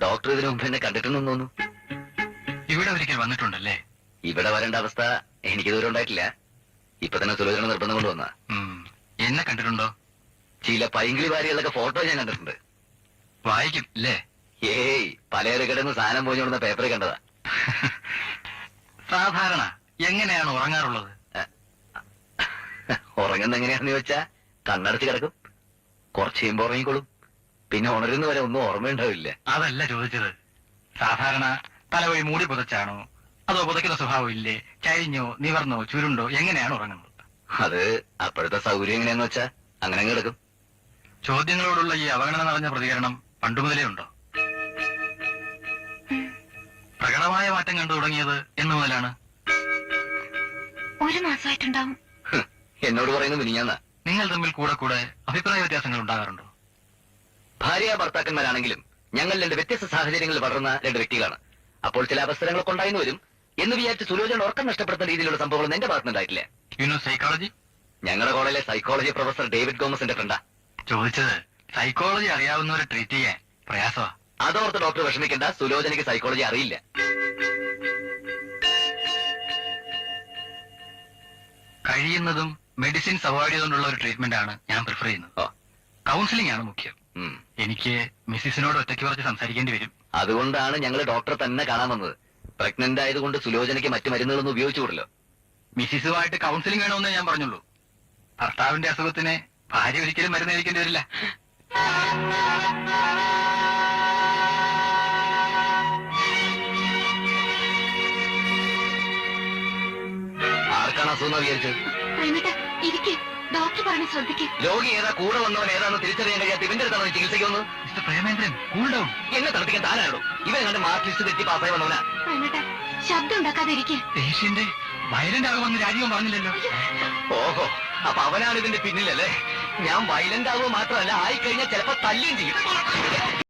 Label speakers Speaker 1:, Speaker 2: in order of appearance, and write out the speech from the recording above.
Speaker 1: Doctor ഇതിനു മുമ്പ് എന്നെ കണ്ടിട്ടുണ്ടെന്ന് തോന്നുന്നു.
Speaker 2: ഇവിടെ ഒരിക്കൽ വന്നിട്ടുണ്ടല്ലേ?
Speaker 1: ഇവിടെ വരേണ്ട അവസ്ഥ എനിക്ക് ദൂരം ഉണ്ടായിട്ടില്ല. ഇപ്പൊ തന്നെ സുലോചന നിർബന്ധം കൊണ്ടുവന്ന.
Speaker 2: എന്നെ കണ്ടിട്ടുണ്ടോ?
Speaker 1: ചില പൈങ്കിളി വാരികളൊക്കെ ഫോട്ടോ ഞാൻ കണ്ടിട്ടുണ്ട്.
Speaker 2: വായിക്കും അല്ലേ?
Speaker 1: ഏയ്, പലചരക്കടന്ന് സാധനം പോഞ്ഞുകൊടുന്ന പേപ്പറിൽ കണ്ടതാ.
Speaker 2: സാധാരണ എങ്ങനെയാണ് ഉറങ്ങാറുള്ളത്?
Speaker 1: ഉറങ്ങുന്ന എങ്ങനെയാണെന്ന് ചോദിച്ചാ കണ്ണടച്ച് കിടക്കും, കുറച്ച് കഴിയുമ്പോ ഉറങ്ങിക്കോളും, പിന്നെ ഉണരുന്ന വരെ ഒന്നും ഓർമ്മയുണ്ടാവില്ല.
Speaker 2: അതല്ല ചോദിച്ചത്. സാധാരണ തലവഴി മൂടി പുതച്ചാണോ, അതോ പുതയ്ക്കുന്ന സ്വഭാവം ഇല്ലേ, ചരിഞ്ഞോ നിവർന്നോ ചുരുണ്ടോ, എങ്ങനെയാണ് ഉറങ്ങുന്നത്?
Speaker 1: അത് അപ്പോഴത്തെ സൗകര്യം എങ്ങനെയാന്ന് വെച്ചാ അങ്ങനെ കിടക്കും.
Speaker 2: ചോദ്യങ്ങളോടുള്ള ഈ അവഗണന നിറഞ്ഞ പ്രതികരണം പണ്ടുമുതലേ ഉണ്ടോ? പ്രകടമായ മാറ്റം കണ്ടു തുടങ്ങിയത് എന്നു മുതലാണ്?
Speaker 3: 1 മാസമായിട്ടുണ്ടാവും.
Speaker 1: എന്നോട് പറയുന്നത് മിനിഞ്ഞാന്നാ.
Speaker 2: നിങ്ങൾ തമ്മിൽ കൂടെ കൂടെ അഭിപ്രായ വ്യത്യാസങ്ങൾ ഉണ്ടാകാറുണ്ടോ?
Speaker 1: ഭാര്യ ഭർത്താക്കന്മാരാണെങ്കിലും ഞങ്ങൾ 2 വ്യത്യസ്ത സാഹചര്യങ്ങളിൽ വളർന്ന 2 വ്യക്തികളാണ്. അപ്പോൾ ചില അവസരങ്ങളൊക്കെ ഉണ്ടായിരുന്നു വരും എന്ന് വിചാരിച്ച് സുലോചന ഉറക്കം നഷ്ടപ്പെടുന്ന രീതിയിലുള്ള സംഭവങ്ങൾ എന്റെ ഭാഗത്തുനിന്നുണ്ടായിട്ടില്ല.
Speaker 2: സൈക്കോളജി?
Speaker 1: ഞങ്ങളുടെ കോളേജിലെ സൈക്കോളജി പ്രൊഫസർ ഡേവിഡ് ഗോമസിന്റെ ഫ്രണ്ടാ.
Speaker 2: ചോദിച്ചത് സൈക്കോളജി അറിയാവുന്നവരെ ട്രീറ്റ് ചെയ്യാൻ പ്രയാസമാ.
Speaker 1: അതോർത്ത് ഡോക്ടർ വിഷമിക്കേണ്ട, സുലോചനയ്ക്ക് സൈക്കോളജി അറിയില്ല.
Speaker 2: കഴിയുന്നതും മെഡിസിൻസ് അവോയ്ഡ് ചെയ്തുകൊണ്ടുള്ള ഒരു ട്രീറ്റ്മെന്റ് ആണ് ഞാൻ പ്രിഫർ ചെയ്യുന്നത്. കൗൺസിലിംഗ് ആണ് മുഖ്യം. എനിക്ക് മിസ്സിസിനോട് ഒറ്റയ്ക്ക് കുറച്ച് സംസാരിക്കേണ്ടി വരും.
Speaker 1: അതുകൊണ്ടാണ് ഞങ്ങൾ ഡോക്ടറെ തന്നെ കാണാൻ വന്നത്. പ്രഗ്നന്റ് ആയതുകൊണ്ട് സുലോചനയ്ക്ക് മറ്റു മരുന്നുകളൊന്നും ഉപയോഗിച്ചുകൂടല്ലോ.
Speaker 2: മിസ്സിസുമായിട്ട് കൗൺസിലിംഗ് വേണമെന്നേ ഞാൻ പറഞ്ഞുള്ളൂ. ഭർത്താവിന്റെ അസുഖത്തിന് ഭാര്യ ഒരിക്കലും മരുന്ന് കഴിക്കേണ്ടി വരില്ല.
Speaker 1: ആർക്കാണ് അസുഖം വിചാരിച്ചത്?
Speaker 3: ഡോക്ടർ പറഞ്ഞ ശ്രദ്ധിക്കും.
Speaker 1: രോഗി ഏതാ, കൂടെ വന്നവൻ ഏതാണെന്ന് തിരിച്ചറിയാൻ കഴിയാത്ത ഇവന്റെ അടുത്താണ് ചികിത്സയ്ക്കൊന്ന്.
Speaker 2: Mister Premendran, cool down.
Speaker 1: എന്നെ തളർത്തിക്കാൻ താനാണോ? ഇവൻ കണ്ട് മാർക്ക് ലിസ്റ്റ് തെറ്റി പാസ്സായി വന്നവനാ.
Speaker 3: ശബ്ദം ഉണ്ടാക്കാതിരിക്കും.
Speaker 2: പേഷ്യന്റ് വയലന്റ് ആകുമെന്ന് രാജീവൻ പറഞ്ഞില്ലല്ലോ.
Speaker 1: ഓഹോ, അപ്പൊ അവനാണ് ഇതിന്റെ പിന്നിലല്ലേ? ഞാൻ വയലന്റ് ആകുക മാത്രമല്ല, ആയിക്കഴിഞ്ഞാൽ ചിലപ്പോ തല്ലുകയും ചെയ്യും.